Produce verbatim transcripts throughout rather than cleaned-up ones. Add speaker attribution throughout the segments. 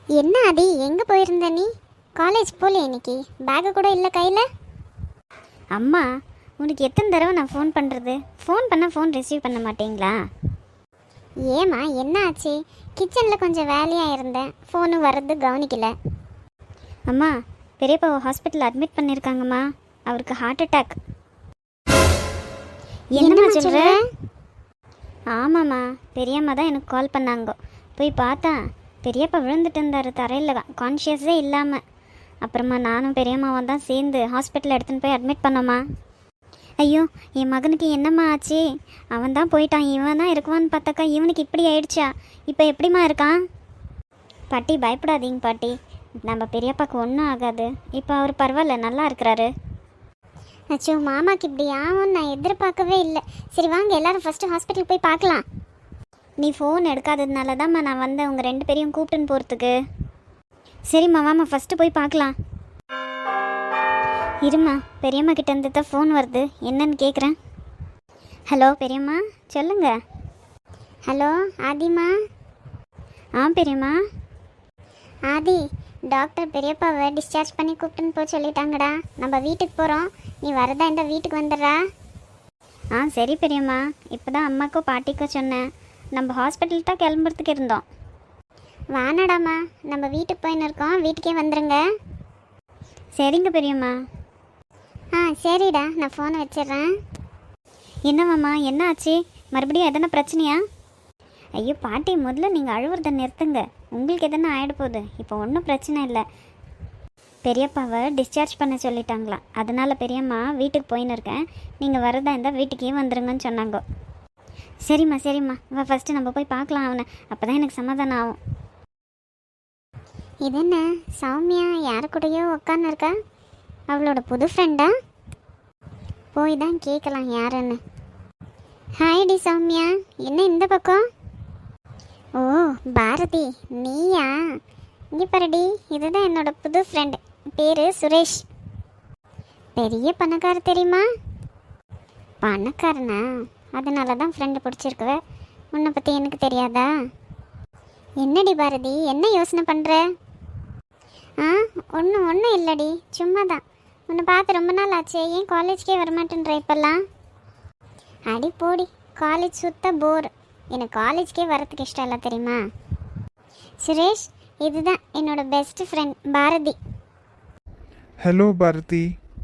Speaker 1: என்ன ஆதி, எங்கே போயிருந்த நீ? காலேஜ் போகல இன்னைக்கு? பேக்கு கூட இல்லை கையில்?
Speaker 2: அம்மா, உனக்கு எத்தனை தடவை நான் ஃபோன் பண்ணுறது? ஃபோன் பண்ணால் ஃபோன் ரிசீவ் பண்ண மாட்டீங்களா?
Speaker 1: ஏம்மா, என்ன ஆச்சு? கிச்சனில் கொஞ்சம் வேலையாக இருந்தேன், ஃபோனு வர்றது கவனிக்கல.
Speaker 2: அம்மா, பெரியப்பாவை ஹாஸ்பிட்டலில் அட்மிட் பண்ணியிருக்காங்கம்மா. அவருக்கு ஹார்ட் அட்டாக். என்னம்மா சொல்கிற? ஆமாம்மா, பெரியம்மா தான் எனக்கு கால் பண்ணாங்க. போய் பார்த்தா பெரியப்பா விழுந்துட்டு இருந்தார் தரையில், கான்ஷியஸே இல்லாமல். அப்புறமா நானும் பெரியம்மாவும் தான் சேர்ந்து ஹாஸ்பிட்டலில் எடுத்துன்னு போய் அட்மிட் பண்ணோம்மா. ஐயோ, என் மகனுக்கு என்னம்மா ஆச்சு? அவன் தான் போயிட்டான், இவன் தான் இருக்குவான்னு பார்த்தாக்கா இவனுக்கு இப்படி ஆயிடுச்சா? இப்போ எப்படிம்மா இருக்கான்? பாட்டி, பயப்படாதீங்க பாட்டி, நம்ம பெரியப்பாவுக்கு ஒன்றும் ஆகாது. இப்போ அவர் பரவாயில்ல, நல்லா இருக்கிறாரு.
Speaker 1: அச்சோ, மாமாக்கு இப்படி ஆகும்னு நான் எதிர்பார்க்கவே இல்லை. சரி வாங்க, எல்லாரும் ஃபஸ்ட்டு ஹாஸ்பிட்டல் போய் பார்க்கலாம்.
Speaker 2: நீ ஃபோன் எடுக்காததுனால தான்மா நான் வந்தேன் உங்கள் ரெண்டு பேரையும் கூப்பிட்டுன்னு போகிறதுக்கு. சரிம்மா, வாம்மா ஃபஸ்ட்டு போய் பார்க்கலாம். இரும்மா, பெரியம்மா கிட்டேருந்து தான் ஃபோன் வருது, என்னன்னு கேட்குறேன். ஹலோ பெரியம்மா, சொல்லுங்க.
Speaker 1: ஹலோ ஆதிமா.
Speaker 2: ஆ பெரியம்மா.
Speaker 1: ஆதி, டாக்டர் பெரியப்பாவை டிஸ்சார்ஜ் பண்ணி கூப்பிட்டுன்னு போக சொல்லிட்டாங்கடா. நம்ம வீட்டுக்கு போகிறோம், நீ வரதா இந்த வீட்டுக்கு வந்துடுறா.
Speaker 2: ஆ சரி பெரியம்மா, இப்போ தான் அம்மாக்கோ பாட்டிக்கோ சொன்னேன். நம்ம ஹாஸ்பிட்டல் தான் கிளம்புறதுக்கு இருந்தோம்.
Speaker 1: வானடாம்மா, நம்ம வீட்டுக்கு போயின்னு இருக்கோம், வீட்டுக்கே வந்துடுங்க.
Speaker 2: சரிங்க பெரியம்மா.
Speaker 1: ஆ சரிடா, நான் ஃபோனை வச்சிடுறேன்.
Speaker 2: என்னவாம்மா, என்ன ஆச்சு? மறுபடியும் எதனா பிரச்சனையா? ஐயோ பாட்டி, முதல்ல நீங்கள் அழுவுறதை நிறுத்துங்க. உங்களுக்கு எதனா ஆகிட போகுது. இப்போ ஒன்றும் பிரச்சனை இல்லை. பெரியப்பாவை டிஸ்சார்ஜ் பண்ண சொல்லிட்டாங்களாம், அதனால் பெரியம்மா வீட்டுக்கு போயின்னு இருக்கேன். நீங்கள் வரதா இருந்தால் வீட்டுக்கே வந்துடுங்கன்னு சொன்னாங்க. சரிம்மா சரிம்மா, வா ஃபஸ்ட்டு நம்ம போய் பார்க்கலாம் அவனை, அப்போ தான் எனக்கு சமாதானம் ஆகும்.
Speaker 1: இது என்ன, சௌமியா யாரு கூடயோ உட்காந்து இருக்கா? அவளோட புது ஃப்ரெண்டா? போய் தான் கேட்கலாம் யாருன்னு. ஹாய் டி சௌமியா, என்ன இந்த பக்கம்? ஓ பாரதி, நீயா? இங்கே பாருடி, இதுதான் என்னோட புது ஃப்ரெண்டு, பேர் சுரேஷ். பெரிய பணக்கார தெரியுமா? பணக்காரனா? அதனால தான் ஃப்ரெண்டு பிடிச்சிருக்குவ. உன்னை பற்றி எனக்கு தெரியாதா? என்னடி பாரதி, என்ன யோசனை பண்ணுற? ஆ ஒன்றும் ஒன்றும் இல்லடி, சும்மா தான். உன்னை பார்த்து ரொம்ப நாள் ஆச்சு, ஏன் காலேஜ்க்கே வரமாட்டேன்ற இப்போல்லாம்? அடி போடி, காலேஜ் சுத்த போர். எனக்கு காலேஜ்க்கே வரத்துக்கு இஷ்டம் இல்லை தெரியுமா? சுரேஷ், இதுதான் என்னோட best friend Bharathi.
Speaker 3: Hello Bharathi.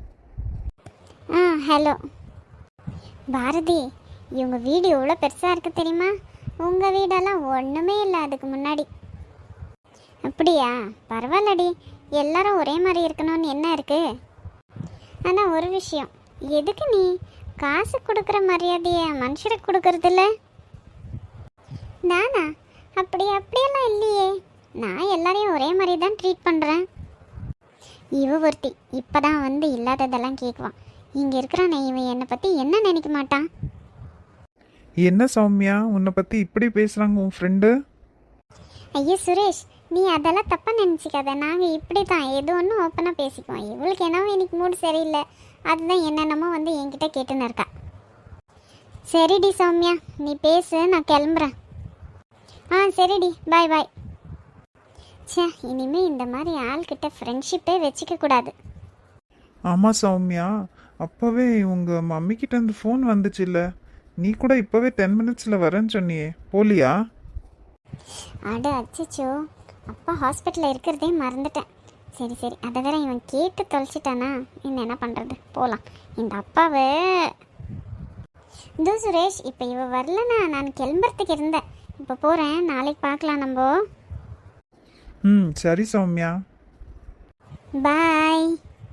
Speaker 1: ஆ ஹலோ பாரதி, இவங்க வீடு எவ்வளோ பெருசாக இருக்குது தெரியுமா? உங்கள் வீடெல்லாம் ஒன்றுமே இல்லை அதுக்கு முன்னாடி. அப்படியா? பரவாயில்லடி, எல்லாரும் ஒரே மாதிரி இருக்கணும்னு என்ன இருக்குது? ஆனால் ஒரு விஷயம், எதுக்கு நீ காசு கொடுக்குற மரியாதையை மனுஷருக்கு கொடுக்கறதில்ல? நானா? அப்படி அப்படியெல்லாம் இல்லையே, நான் எல்லாரையும் ஒரே மாதிரி தான் ட்ரீட் பண்ணுறேன். இவ ஒருத்தி இப்போ தான் வந்து இல்லாததெல்லாம் கேட்குவான். இங்கே இருக்கிறானே இவன் என்னை பற்றி என்ன நினைக்க மாட்டான்?
Speaker 3: என்ன சௌமியா, உன்னை பற்றி இப்படி பேசுகிறாங்க உன் ஃப்ரெண்டு?
Speaker 1: ஐயோ சுரேஷ், நீ அதெல்லாம் தப்பாக நினச்சிக்காத. நாங்கள் இப்படி தான் எது ஒன்றும் ஓப்பனாக பேசிக்குவோம். இவளுக்கு என்னவோ இன்னைக்கு மூடு சரியில்லை, அதுதான் என்னென்னமோ வந்து என்கிட்ட கேட்டுன்னு இருக்கா. சரிடி சௌமியா, நீ பேசு, நான் கிளம்புறேன். ஆ சரிடி, பாய் பாய். சே, இனிமேல் இந்த மாதிரி ஆள்கிட்ட ஃப்ரெண்ட்ஷிப்பே வச்சுக்க கூடாது.
Speaker 3: ஆமாம் சௌமியா, அப்போவே உங்கள் மம்மிக்கிட்ட இருந்து ஃபோன் வந்துச்சுல்ல, நீ கூட இப்போவே டென் மினிட்ஸில் வரேன்னு சொன்னியே, போலியா?
Speaker 1: அட அச்சச்சோ, அப்பா ஹாஸ்பிட்டலில் இருக்கிறதே மறந்துட்டேன். சரி சரி, அதை வேற இவன் கேட்டு தொலைச்சிட்டானா, இன்னும் என்ன பண்ணுறது, போகலாம். இந்த அப்பாவை இதோ சுரேஷ், இப்போ இவ வரலனா நான் கிளம்புறதுக்கு இருந்தேன். இப்போ போகிறேன், நாளைக்கு பார்க்கலாம் நம்ம.
Speaker 3: ம் சரி சௌமியா.
Speaker 1: பாய்.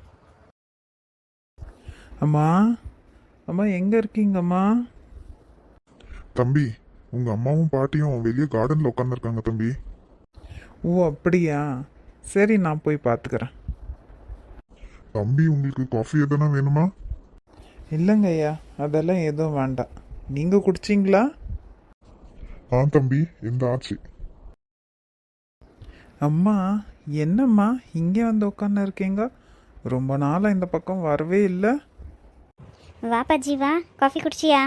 Speaker 3: அம்மா, அம்மா எங்கே இருக்கீங்கம்மா?
Speaker 4: தம்பி, உங்க அம்மாவும் பாட்டியும் வெளியே கார்டன்ல உட்காந்துருக்காங்க தம்பி.
Speaker 3: ஓ அப்படியா, சரி நான் போய் பார்த்துக்கிறேன்.
Speaker 4: தம்பி, உங்களுக்கு காஃபி எதனா வேணுமா?
Speaker 3: இல்லைங்க ஐயா, அதெல்லாம் எதுவும் வேண்டாம். நீங்கள் குடிச்சிங்களா?
Speaker 4: ஆ தம்பி, இந்த ஆச்சு.
Speaker 3: அம்மா, என்னம்மா இங்கே வந்து உட்காந்து இருக்கீங்க? ரொம்ப நாளாக இந்த பக்கம் வரவே இல்லை.
Speaker 2: வாப்பா ஜீவா, காஃபி குடிச்சியா?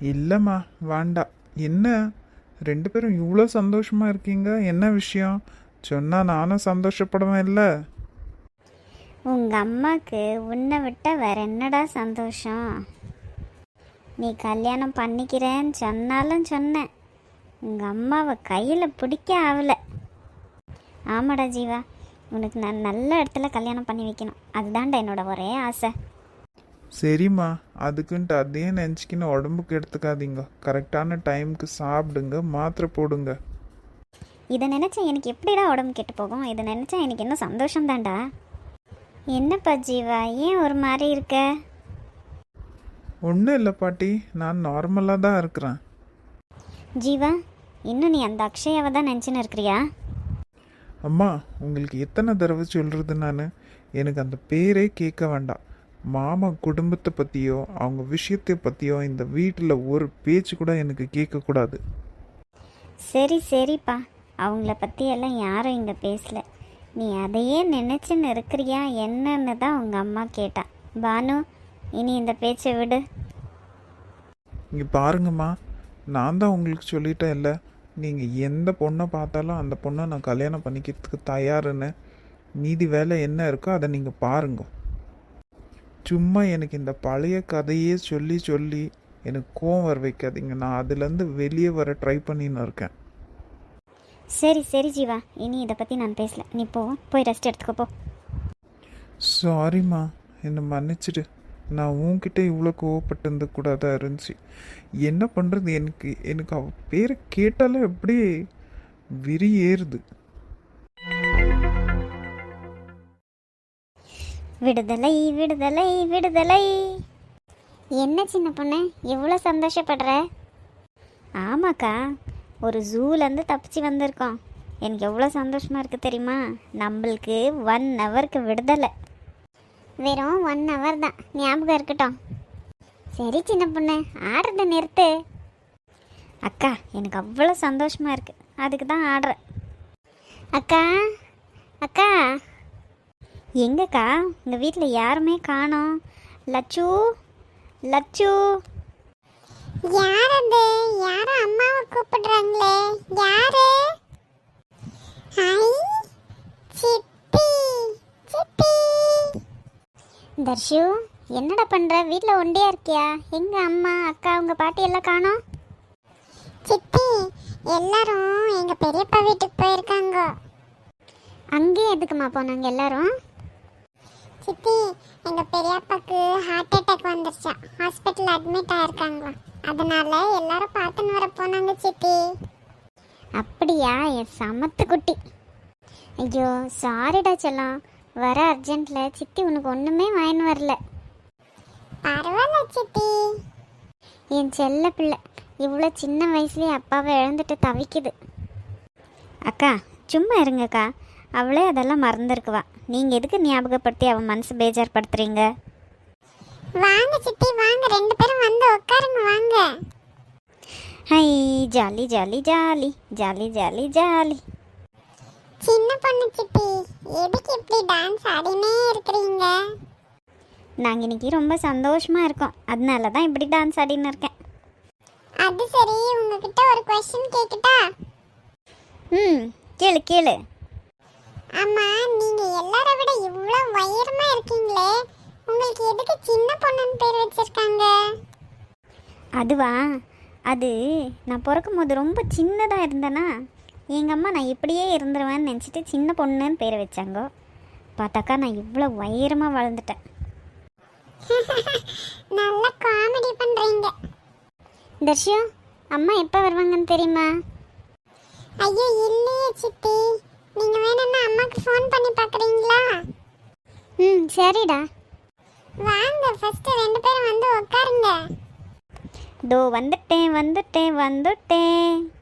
Speaker 3: இல்லைம்மா வேண்டாம். என்ன ரெண்டு பேரும் இவ்வளோ சந்தோஷமாக இருக்கீங்க, என்ன விஷயம்? சொன்னால் நானும் சந்தோஷப்படுவேன் இல்லை?
Speaker 2: உங்கள் அம்மாவுக்கு உன்னை விட்ட வேற என்னடா சந்தோஷம்? நீ கல்யாணம் பண்ணிக்கிறேன்னு சொன்னாலும் சொன்னேன், உங்கள் அம்மாவை கையில் பிடிக்க ஆகலை. ஆமாடா ஜீவா, உனக்கு நான் நல்ல இடத்துல கல்யாணம் பண்ணி வைக்கணும், அதுதான்டா என்னோட ஒரே ஆசை.
Speaker 3: சரிம்மா, அதுக்குன்ட்டு அதையே நினச்சிக்கின்னு உடம்புக்கு எடுத்துக்காதீங்க. கரெக்டான டைமுக்கு சாப்பிடுங்க, மாத்திரை போடுங்க.
Speaker 2: இதை நினச்சா எனக்கு எப்படிடா உடம்பு கெட்டு போகும்? இதை நினச்சா எனக்கு இன்னும் சந்தோஷம்தான்டா. என்னப்பா ஜீவா, ஏன் ஒரு மாதிரி இருக்க?
Speaker 3: ஒன்றும் இல்லை பாட்டி, நான் நார்மலாக தான் இருக்கிறேன்.
Speaker 2: ஜீவா, இன்னும் நீ அந்த அக்ஷயாவை தான் நினச்சின்னு இருக்கிறியா?
Speaker 3: அம்மா, உங்களுக்கு எத்தனை தடவை சொல்கிறது நான்? எனக்கு அந்த பேரே கேட்க வேண்டாம். மாமா குடும்பத்தை பற்றியோ அவங்க விஷயத்தை பற்றியோ இந்த வீட்டில் ஒரு பேச்சு கூட எனக்கு கேட்கக்கூடாது.
Speaker 2: சரி சரிப்பா, அவங்கள பற்றி எல்லாம் யாரும் இங்கே பேசல. நீ அதையே நினச்சின்னு இருக்கிறியா என்னன்னு தான் உங்கள் அம்மா கேட்டா. பானு, இனி இந்த பேச்சை விடு.
Speaker 3: இங்கே பாருங்கம்மா, நான் தான் உங்களுக்கு சொல்லிட்டேன் இல்லை, நீங்கள் எந்த பொண்ணை பார்த்தாலும் அந்த பொண்ணை நான் கல்யாணம் பண்ணிக்கிறதுக்கு தயாருன்னு. மீதி வேலை என்ன இருக்கோ அதை நீங்கள் பாருங்க. சும்மா எனக்கு இந்த பழைய கதையே சொல்லி சொல்லி எனக்கு கோவம் வர வைக்காதீங்க. நான் அதுலேருந்து வெளியே வர ட்ரை பண்ணின்னு இருக்கேன்.
Speaker 2: சரி சரி ஜீவா, இனி இதை பற்றி நான் பேசல. நீ போ, போய் ரெஸ்ட் எடுத்துக்கோ போ.
Speaker 3: சாரிம்மா, என்னை மன்னிச்சிடு. நான் உன்கிட்ட இவ்வளோ கோவப்பட்டிருந்த கூடாதா இருந்துச்சு. என்ன பண்ணுறது, எனக்கு எனக்கு அவ பேரை கேட்டாலே அப்படியே விரி ஏறுது.
Speaker 2: விடுதலை விடுதலை விடுதலை.
Speaker 1: என்ன சின்ன பொண்ணு இவ்வளோ சந்தோஷப்படுற?
Speaker 2: ஆமாக்கா, ஒரு ஜூலேருந்து தப்பிச்சு வந்திருக்கோம். எனக்கு எவ்வளோ சந்தோஷமாக இருக்குது தெரியுமா? நம்மளுக்கு ஒன் ஹவருக்கு விடுதலை.
Speaker 1: வெறும் ஒன் ஹவர் தான், ஞாபகம் இருக்கட்டும். சரி சின்ன பொண்ணு, ஆடுறத நிறுத்து.
Speaker 2: அக்கா, எனக்கு அவ்வளோ சந்தோஷமாக இருக்குது, அதுக்கு தான் ஆடுறேன்.
Speaker 1: அக்கா அக்கா
Speaker 2: எங்கக்கா? உங்கள் வீட்டில் யாருமே காணோம். லச்சு லச்சு.
Speaker 1: யார் அது? யாரும் அம்மாவை கூப்பிடுறாங்களே, யாரு? ஹாய் சித்தி, சித்தி. தர்ஷு, என்னடா பண்ற? வீட்டில் ஒண்டியா இருக்கியா? எங்க அம்மா அக்கா உங்க பாட்டி எல்லாம் காணோம்? சித்தி, எல்லாரும் எங்க பெரியப்பா வீட்டுக்கு போயிருக்காங்க. அங்கே எதுக்குமா போனாங்க எல்லாரும்? சித்தி, எங்க பெரியப்பாக்கு ஹார்ட் அட்டாக் வந்துருச்சா, ஹாஸ்பிட்டல் அட்மிட் ஆயிருக்காங்களா, அதனால எல்லாரும் பார்த்துன்னு வர போனாங்க சித்தி. அப்படியா? என் சமத்து குட்டி. ஐயோ சாரிடா செல்லம், வர அர்ஜென்ட்ல சித்தி உனக்கு ஒண்ணுமே வாங்கின்னு வரல. பரவாயில்ல சித்தி. என் செல்ல பிள்ளை இவ்வளோ சின்ன வயசுலேயே அப்பாவை இழந்துட்டு தவிக்குது.
Speaker 2: அக்கா சும்மா இருங்கக்கா, அவளே அதெல்லாம் மறந்துருக்குவா. நீங்கள் எதுக்கு ஞாபகப்படுத்தி அவன் மனசு பேஜார்படுத்துறீங்க?
Speaker 1: வாங்க சித்தி வாங்க, ரெண்டு பேரும் வந்து உட்காருங்க வாங்க.
Speaker 2: Hi, jolly jolly jolly jolly jolly jolly.
Speaker 1: சின்ன பொண்ணு சித்தி, எதுக்கு இப்படி டான்ஸ் ஆடினே இருக்கிறீங்க?
Speaker 2: நாங்கள் இன்னைக்கு ரொம்ப சந்தோஷமாக இருக்கோம், அதனால தான் இப்படி டான்ஸ் ஆடின்னு இருக்கேன்.
Speaker 1: அது சரி, உங்ககிட்ட ஒரு கொஸ்டின் கேட்கட்டா?
Speaker 2: ம், கேளு கேளு.
Speaker 1: ஆமா, நீங்க எல்லாரை விட இவ்வளோ உயரமா இருக்கீங்களே, உங்களுக்கு எதுக்கு சின்ன பொண்ணுன்னு பேர் வச்சிருக்காங்க?
Speaker 2: அதுவா, அது நான் பிறக்கும் போது ரொம்ப சின்னதாக இருந்தேனா, எங்கள் அம்மா நான் இப்படியே இருந்துருவேன்னு நினச்சிட்டு சின்ன பொண்ணுன்னு பேர் வச்சாங்க. பார்த்தாக்கா நான் இவ்வளோ உயரமாக வளர்ந்துட்டேன்.
Speaker 1: நல்ல காமெடி பண்றீங்க. தர்ஷு, அம்மா எப்போ வருவாங்கன்னு தெரியுமா? ஐயோ இல்லையே சித்தி, நீங்க வேணும்னா அம்மாக்கு ஃபோன் பண்ணி பார்க்குறீங்களா? ம் சரிடா. வாங்க ஃபர்ஸ்ட் ரெண்டு பேரும் வந்து உட்காருங்க.
Speaker 2: தோ வந்துட்டேன் வந்துட்டேன் வந்துட்டேன்.